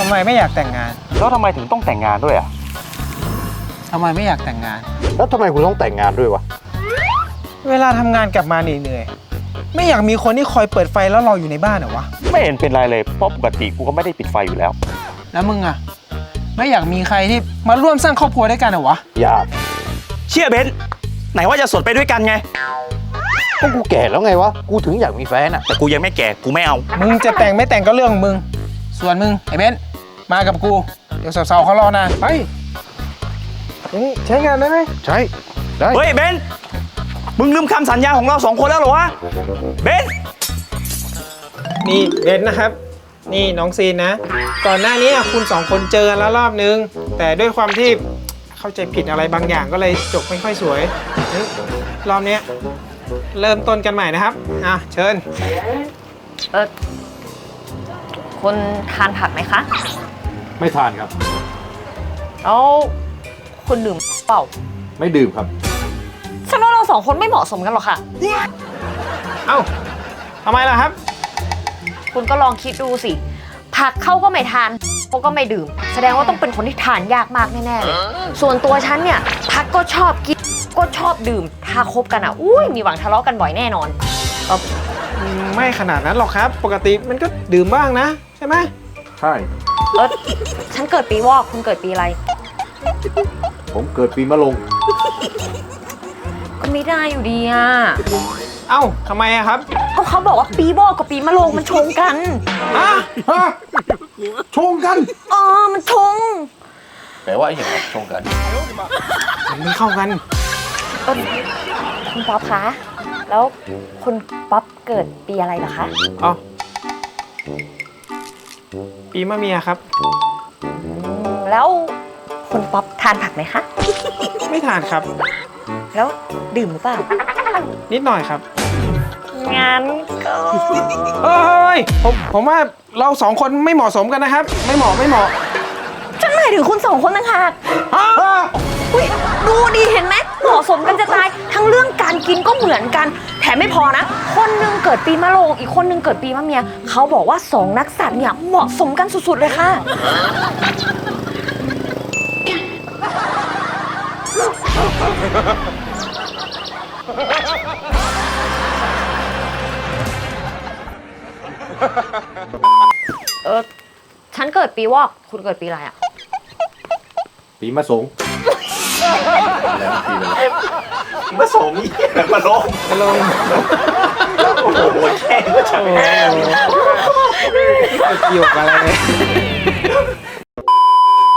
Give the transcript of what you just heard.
ำไมไม่อยากแต่งงานแล้วทำไมถึงต้องแต่งงานด้วยอ่ะทำไมไม่อยากแต่งงานแล้วทำไมคุณต้องแต่งงานด้วยวะเวลาทำงานกลับมาเหนื่อยๆไม่อยากมีคนที่คอยเปิดไฟแล้วรออยู่ในบ้านเหรอวะไม่เห็นเป็นไรเลยเพราะปกติกูก็ไม่ได้ปิดไฟอยู่แล้วแล้วมึงอะไม่อยากมีใครที่มาร่วมสร้างครอบครัวด้วยกันเหรอวะอยากเชื่อเบนซ์ไหนว่าจะสดไปด้วยกันไงก็กูแก่แล้วไงวะ กูถึงอยากมีแฟนอ่ะแต่กูยังไม่แก่กูไม่เอามึงจะแต่งไม่แต่งก็เรื่องของมึง ส่วนมึงไอ้เบนซ์มากับกู เดี๋ยวสาวๆเขารอนานไปยังใช้งานได้ไหมใช่ ได้เฮ้ยเบนซ์มึงลืมคำสัญญาของเรา2 คนแล้วเหรอวะเบนซ์นี่เบนซ์นะครับ นี่น้องซีนนะ ก่อนหน้านี้คุณสองคนเจอกันแล้วรอบนึง แต่ด้วยความที่เข้าใจผิดอะไรบางอย่างก็เลยจบไม่ค่อยสวยรอบนี้เริ่มต้นกันใหม่นะครับเชิญคุณทานผักไหมคะไม่ทานครับแล้วคุณดื่มเปล่าไม่ดื่มครับฉันว่าเราสองคนไม่เหมาะสมกันหรอกค่ะเอ้าทำไมล่ะครับคุณก็ลองคิดดูสิ ผักเขาก็ไม่ทานเขาก็ไม่ดื่ม แสดงว่าต้องเป็นคนที่ทานยากมากแน่ๆเลย ส่วนตัวฉันเนี่ยผักก็ชอบกินก็ชอบดื่ม ถ้าคบกันอุ้ยมีหวังทะเลาะกันบ่อยแน่นอนไม่ขนาดนั้นหรอกครับ ปกติมันก็ดื่มบ้างนะใช่ไหมใช่ฉันเกิดปีวอกคุณเกิดปีอะไรผมเกิดปีมะโรงก็ไม่ได้อยู่ดีอ่ะเอ้าทำไมอะครับก็เขาบอกว่าปีวอกกับปีมะโรงมันชงกันฮะชงกันมันชงแปลว่าอย่างไรชงกันมันไม่เข้ากันคุณป๊อปคะ แล้วคุณป๊อปเกิดปีอะไรเหรอคะอ๋อ ปีมะเมียครับแล้วคุณป๊อปทานผักไหมคะไม่ทานครับแล้วดื่มหรือเปล่านิดหน่อยครับงั้นก็เฮ้ยผมว่าเราสองคนไม่เหมาะสมกันนะครับ ไม่เหมาะฉันหมายถึงคุณสองคนต่างหากฮะอุ๊ยดูดีเห็นไหมเหมาะสมกันจะตาย ทั้งเรื่องการกินก็เหมือนกัน แถมไม่พอนะ คนหนึงเกิดปีมะโรงอีกคนหนึงเกิดปีมะเมีย เขาบอกว่าสองนักสัตว์เนี่ยเหมาะสมกันสุดๆเลยค่ะ ฉันเกิดปีวอก คุณเกิดปีอะไรอ่ะปีมะสงแล้วปีอะไรมาส่งนี่มาลงจะลงโอ้โหแค่ก็ใช่โอ้โหเกี่ยวกับอะไรเลย